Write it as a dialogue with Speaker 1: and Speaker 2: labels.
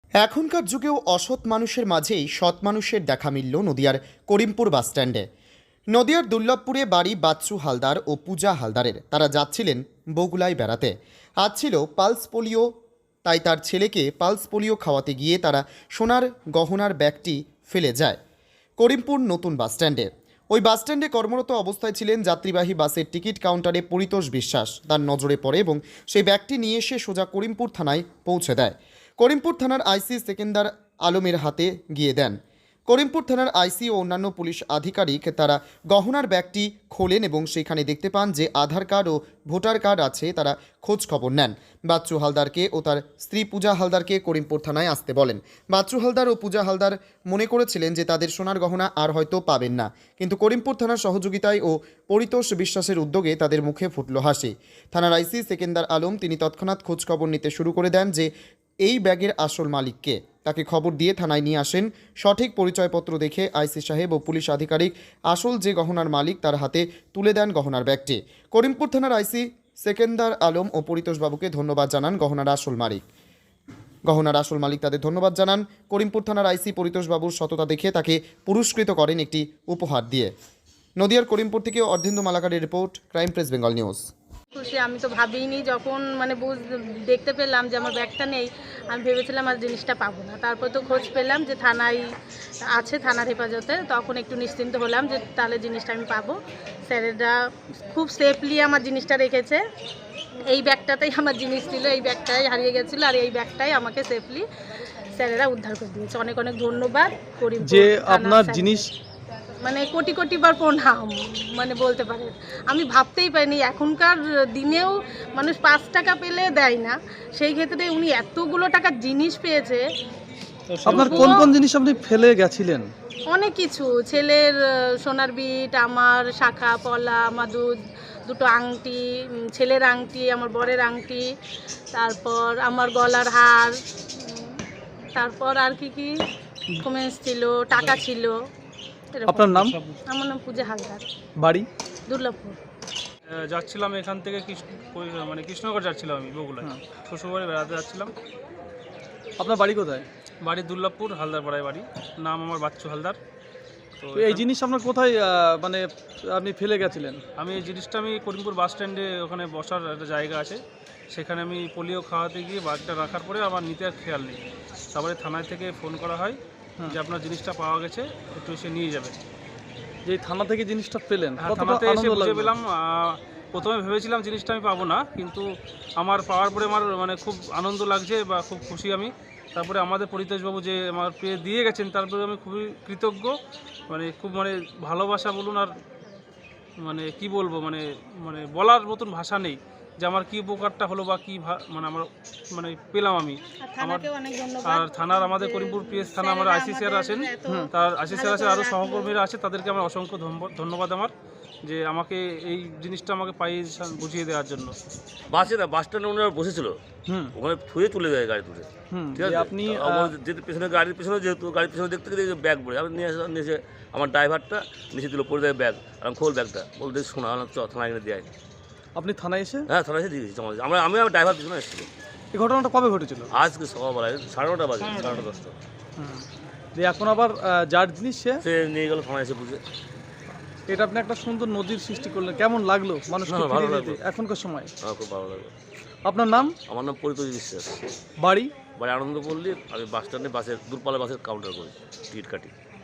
Speaker 1: এখনকার যুগেও অসৎ মানুষের মাঝেই সৎ মানুষের দেখা মিলল নদিয়ার করিমপুর বাসস্ট্যান্ডে। নদিয়ার দুর্লভপুরে বাড়ি বাচ্চু হালদার ও পূজা হালদারের। তারা যাচ্ছিলেন বগুলায় বেড়াতে। আজ ছিল পালস পোলিও, তাই তার ছেলেকে পালস পোলিও খাওয়াতে গিয়ে তারা সোনার গহনার ব্যাগটি ফেলে যায় করিমপুর নতুন বাসস্ট্যান্ডে। ওই বাসস্ট্যান্ডে কর্মরত অবস্থায় ছিলেন যাত্রীবাহী বাসের টিকিট কাউন্টারে পরিতোষ বিশ্বাস। তার নজরে পড়ে এবং সেই ব্যাগটি নিয়ে এসে সোজা করিমপুর থানায় পৌঁছে দেয়। করিমপুর থানার আইসি সেকেন্দার আলমের হাতে গিয়ে দেন। করিমপুর থানার আইসি ও অন্যান্য পুলিশ আধিকারিক তারা গহনার ব্যাগটি খোলেন এবং সেখানে দেখতে পান যে আধার কার্ড ও ভোটার কার্ড আছে। তারা খোঁজ খবর নেন। বাচ্চু হালদারকে ও তার স্ত্রী পূজা হালদারকে করিমপুর থানায় আসতে বলেন। বাচ্চু হালদার ও পূজা হালদার মনে করেছিলেন যে তাদের সোনার গহনা আর হয়তো পাবেন না, কিন্তু করিমপুর থানার সহযোগিতায় ও পরিতোষ বিশ্বাসের উদ্যোগে তাদের মুখে ফুটল হাসি। থানার আইসি সেকেন্দার আলম তিনি তৎক্ষণাৎ খোঁজ খবর নিতে শুরু করে দেন যে এই ব্যাগের আসল মালিককে। তাকে খবর দিয়ে থানায় নিয়ে আসেন। সঠিক পরিচয়পত্র দেখে আইসি সাহেব ও পুলিশ আধিকারিক আসল যে গহনার মালিক তার হাতে তুলে দেন গহনার ব্যাগটি। করিমপুর থানার আইসি সেকেন্দার আলম ও পরিতোষবাবুকে ধন্যবাদ জানান গহনার আসল মালিক তাদের ধন্যবাদ জানান। করিমপুর থানার আইসি পরিতোষবাবুর সততা দেখে তাকে পুরস্কৃত করেন একটি উপহার দিয়ে। নদিয়ার করিমপুর থেকে অর্ধেন্দু মালাকারের report, crime press Bengal news.
Speaker 2: খুশি আমি তো ভাবিনি, যখন দেখতে পেলাম যে আমার ব্যাগটা নেই, আমি ভেবেছিলাম আর জিনিসটা পাবো না। তারপর তো খোঁজ পেলাম যে থানায় আছে, থানার হেফাজতে, তখন একটু নিশ্চিন্ত হলাম যে তাহলে জিনিসটা আমি পাবো। স্যারেরা খুব সেফলি আমার জিনিসটা রেখেছে। এই ব্যাগটাতেই আমার জিনিস ছিল, এই ব্যাগটাই হারিয়ে গেছিলো, আর এই ব্যাগটাই আমাকে সেফলি স্যারেরা উদ্ধার করে দিয়েছে। অনেক অনেক ধন্যবাদ।
Speaker 3: যে আপনার জিনিস
Speaker 2: মানে কোটি কোটি বার প্রণাম, মানে বলতে পারেন আমি ভাবতেই পারিনি এখনকার দিনেও মানুষ 5 টাকা পেলে দেয় না, সেই ক্ষেত্রে উনি এতগুলো টাকার জিনিস পেয়েছে।
Speaker 3: আপনার কোন কোন জিনিস আপনি ফেলে গেছিলেন?
Speaker 2: অনেক কিছু, ছেলের সোনার বিট, আমার শাখা পলা, আমার দুটো আংটি, ছেলের আংটি, আমার বরের আংটি, তারপর আমার গলার হার, তারপর আর কি কি ডকুমেন্টস ছিল, টাকা ছিল।
Speaker 3: আপনার নাম?
Speaker 2: আমার নাম পূজা হালদার,
Speaker 3: বাড়ি
Speaker 2: দুর্লভপুর।
Speaker 4: যাচ্ছিলাম এখান থেকে কৃষ্ণনগর যাচ্ছিলাম, আমি বগুলায় শ্বশুরবাড়ি বেড়াতে যাচ্ছিলাম।
Speaker 3: আপনার বাড়ি কোথায়?
Speaker 4: বাড়ি দুর্লভপুর, হালদার পাড়ায় বাড়ি। নাম আমার বাচ্চু হালদার। তো
Speaker 3: এই জিনিস আপনার কোথায় মানে আপনি ফেলে গেছিলেন?
Speaker 4: আমি এই জিনিসটা আমি করিমপুর বাস স্ট্যান্ডে, ওখানে বসার একটা জায়গা আছে, সেখানে আমি পোলিও খাওয়াতে গিয়ে ব্যাগটা রাখার পরে আমার নিতে আর খেয়াল নেই। তারপরে থানায় থেকে ফোন করা হয় যে আপনার জিনিসটা পাওয়া গেছে, একটু এসে নিয়ে যাবে।
Speaker 3: যে থানা থেকে জিনিসটা পেলেন,
Speaker 4: থানাতে এসে বুঝে পেলাম। প্রথমে ভেবেছিলাম জিনিসটা আমি পাবো না, কিন্তু আমার পাওয়ার পরে আমার মানে খুব আনন্দ লাগছে বা খুব খুশি আমি। তারপরে আমাদের পরিতোষবাবু যে আমার পেয়ে দিয়ে গেছেন, তারপরে আমি খুবই কৃতজ্ঞ। মানে খুব ভালোবাসা বলুন, আর মানে কি বলবো, মানে মানে বলার মতন ভাষা নেই যে আমার কী উপকারটা হলো বা কী আমার পেলাম আমি। আর থানার আমাদের করিমপুর পিএস থানা, আমার আইসি স্যার আছেন, তার আইসি স্যার আছে, আরও সহকর্মীরা আছে, তাদেরকে আমার অসংখ্য ধন্যবাদ আমার, যে আমাকে এই জিনিসটা আমাকে পাইয়ে বুঝিয়ে দেওয়ার জন্য।
Speaker 5: বাসে না, বাস স্ট্যান্ডে ওনারা বসেছিল, ওখানে থুয়ে চলে যায় গাড়ি তুলে। ঠিক আছে,
Speaker 3: আপনি
Speaker 5: যেহেতু পেছনে গাড়ির পেছনে, যেহেতু গাড়ির পেছনে দেখতে গেলে ব্যাগ পড়ে, আমি নিয়ে এসে আমার ড্রাইভারটা নিচে দিল, পড়ে দেয় ব্যাগ। আর খোল ব্যাগটা, বলতে শোনা থানায় এনে দেয়।
Speaker 3: আপনি থানায় এসে?
Speaker 5: হ্যাঁ, থানায় এসে দিয়ে দিচ্ছি। আমি আমার ড্রাইভার পিছনে এসেছিল।
Speaker 3: এই ঘটনাটা কবে ঘটেছিল?
Speaker 5: আজকে সকালবেলায় 9:30 বাজে, 9:30-10টা।
Speaker 3: যে এখন আবার যার জিনিস সে
Speaker 5: নিয়ে গেল থানায় এসে বুঝে।
Speaker 3: এটা আপনি একটা সুন্দর নদীর সৃষ্টি করলেন, কেমন লাগলো মানুষকে
Speaker 5: ভালো
Speaker 3: ফিরিয়ে
Speaker 5: লাগলো
Speaker 3: দিতে এখনকার সময়?
Speaker 5: খুব ভালো লাগলো।
Speaker 3: আপনার নাম?
Speaker 5: আমার নাম পরিতোষ বিশ্বাস।
Speaker 3: বাড়ি?
Speaker 5: আনন্দপল্লী। আমি বাস স্ট্যান্ডে দূরপাল্লার বাসের কাউন্টার করি, টিকিট কাটি।